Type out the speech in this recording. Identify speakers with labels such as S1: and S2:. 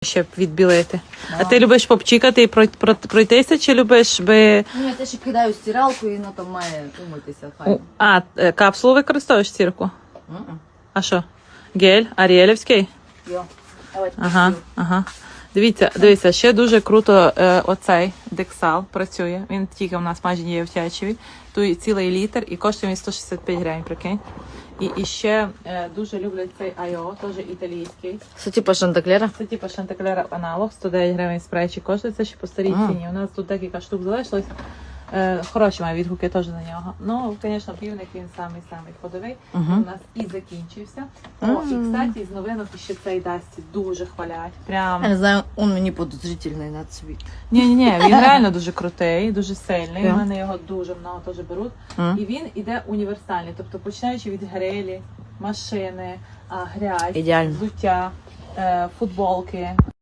S1: Щоб відбілити. А ти любиш попчикати і пройтися, чи любиш би...
S2: Ні, я ще кидаю стиралку і воно там має умитися. Файно.
S1: Капсулу використовуєш стірку? А що? Гель? Аріелівський?
S2: Йо.
S1: Ага. Дивіться, ще дуже круто оцей Дексал працює. Він тільки у нас майже є в Тячеві. Тут цілий літр і коштує він 165 гривень, прикинь. І ще дуже люблять цей Айо, теж італійський.
S2: Це типу Шантаклера?
S1: Це типу Шантаклера аналог, 109 гривень спрейчик коштує, це ще по старій ціні. У нас тут декілька штук залишилось. Хороші має відгуки теж на нього. Ну, звісно, півник він самий ходовий. У нас і закінчився. І, кстати, з новинок ще цей Дасті дуже хвалять. Прям...
S2: Я не знаю, він мені подозрительний на цвіт.
S1: Ні, він реально дуже крутий, дуже сильний. У мене його дуже много теж беруть. І він іде універсальний, тобто починаючи від грилі, машини, грязь, взуття, футболки.